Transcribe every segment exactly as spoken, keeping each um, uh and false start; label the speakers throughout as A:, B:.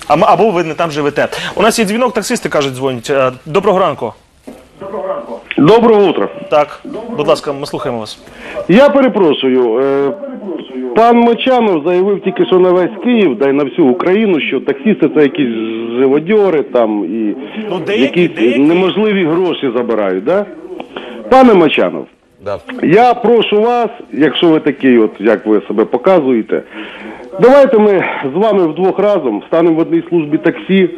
A: Або ви не там живете. У нас є дзвінок, таксисти, кажуть, дзвонять. Доброго ранку.
B: Доброго утра.
A: Так, будь ласка, ми слухаємо вас.
B: Я перепрошую, е, пан Мочанов заявив тільки що на весь Київ, да й на всю Україну, що таксисти це якісь живодьори там і
A: Ну, деякі,
B: якісь
A: деякі.
B: неможливі гроші забирають, да? Пане Мочанов,
C: Да.
B: я прошу вас, якщо ви такий, от як ви себе показуєте, давайте ми з вами вдвох разом станемо в одній службі таксі,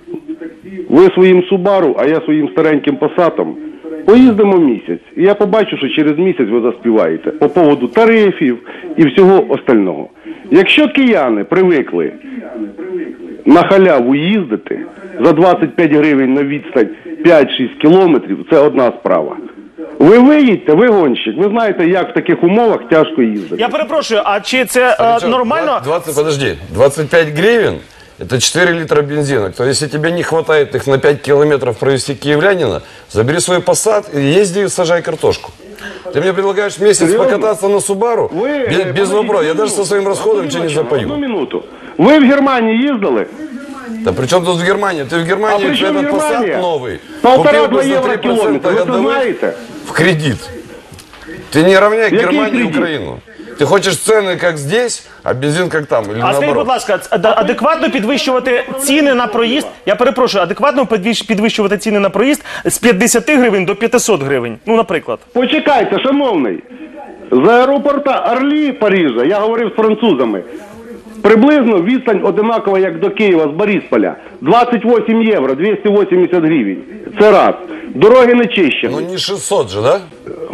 B: ви своїм Субару, а я своїм стареньким Пасатом. Поїздимо місяць, і я побачу, що через місяць ви заспіваєте по поводу тарифів і всього остального. Якщо кияни привикли на халяву їздити за двадцять п'ять гривень на відстань п'ять-шість кілометрів, це одна справа. Ви виїдьте, ви гонщик, ви знаєте, як в таких умовах тяжко їздити.
A: Я перепрошую, а чи це е,
C: Причем
A: нормально?
C: двадцать, подожди, двадцать пять гривен – это четыре литра бензина. То есть, если тебе не хватает их на пять километров провести киевлянина, забери свой Passat и езди и сажай картошку. Ты мне предлагаешь месяц
B: Серьезно?
C: покататься на Субару?
B: Ви,
C: без
B: е,
C: без
B: подождіть,
C: вопросов. Я
B: одну
C: даже со
B: минуту.
C: своим расходом
B: Одну
C: ничего не
B: минуту, Одну
C: запою.
B: минуту. Ви в Германії їздили?
C: Да при чем тут в Германии? Ты в Германии
B: А при чем
C: этот
B: Германия?
C: Passat новый
B: Полтора-два
C: купил бы за
B: евро
C: три
B: километр,
C: процента
B: вы это
C: годовых
B: знаете?
C: в кредит. Ты не равняй
B: Який
C: Германию и
B: кредит?
C: Украину. Ты хочешь цены как здесь, а бензин как там, или
A: А скажіть, будь
C: наоборот?
A: ласка, ад- адекватно підвищувати ціни на проїзд, я перепрошую, адекватно підвищ- підвищувати ціни на проїзд з п'ятдесят гривень до п'ятисот гривень, ну, наприклад.
B: Почекайте, шановний. З аеропорта Орлі Парижа, я говорив з французами, приблизно відстань одинакова, як до Києва з Борисполя. двадцять вісім євро, двісті вісімдесят гривень. Це раз. Дороги не чищені.
C: Ну не шестьсот же, да?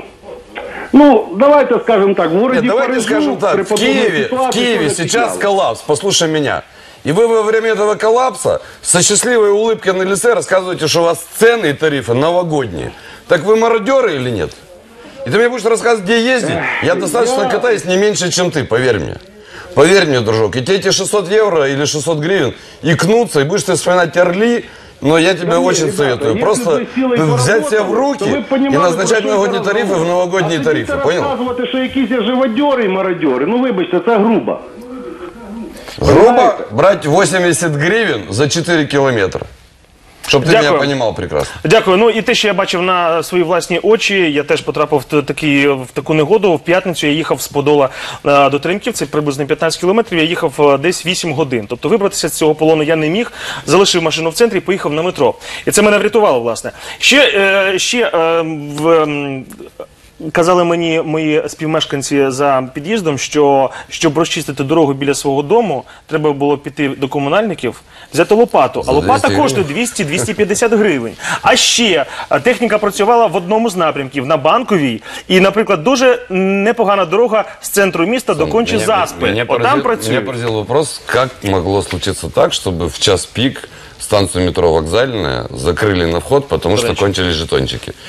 B: Ну, давайте скажем так, в
C: Нет,
B: городе
C: давайте
B: Парижу,
C: скажем так,
B: при
C: в
B: подобной
C: Киеве, в
B: ситуации
C: Киеве
B: тоже
C: сейчас
B: отвечал.
C: коллапс, послушай меня. И вы во время этого коллапса со счастливой улыбкой на лице рассказываете, что у вас цены и тарифы новогодние. Так вы мародеры или нет? И ты мне будешь рассказывать, где ездить? Я достаточно
B: я-
C: катаюсь не меньше, чем ты, поверь мне. Поверь мне, дружок. И тебе эти шестьсот евро или шестьсот гривен икнутся, и будешь ты вспоминать Орли. Но я тебе
B: Да не,
C: очень
B: ребята,
C: советую
B: если
C: просто
B: бы силой
C: взять себя в
B: поработали,
C: руки
B: то вы
C: и
B: понимали,
C: назначать
B: про що
C: новогодние
B: йде
C: тарифы в
B: розмова.
C: новогодние
B: а
C: тарифы.
B: тоді
C: Понял?
B: розказувати, що якісь є живодьори і мародьори, ну вибачте, це грубо.
C: Грубо
B: Понимаете?
C: брать восемьдесят гривен за четыре километра. Чтобы ты
A: Дякую.
C: меня понимал прекрасно.
A: Дякую. Ну і те, що я бачив на свої власні очі, я теж потрапив в, т- такий, в таку негоду. В п'ятницю я їхав з Подола е, до Теремків, це приблизно п'ятнадцять кілометрів, я їхав е, десь вісім годин. Тобто вибратися з цього полону я не міг, залишив машину в центрі і поїхав на метро. І це мене врятувало, власне. Ще, е, ще е, в... м, казали мені мої співмешканці за під'їздом, що щоб розчистити дорогу біля свого дому, треба було піти до комунальників, взяти лопату. А лопата
C: двісті
A: коштує двісті - двісті п'ятдесят гривень. А ще а, техніка працювала в одному з напрямків, на Банковій. І, наприклад, дуже непогана дорога з центру міста до кончі
C: Меня-
A: Заспи.
C: Меня
A: Отам
C: поразил,
A: працює.
C: меня поразил вопрос, как могло случиться так, чтобы в час пик станцию метро «Вокзальная» закрыли на вход, потому что
A: Речи.
C: кончились жетончики.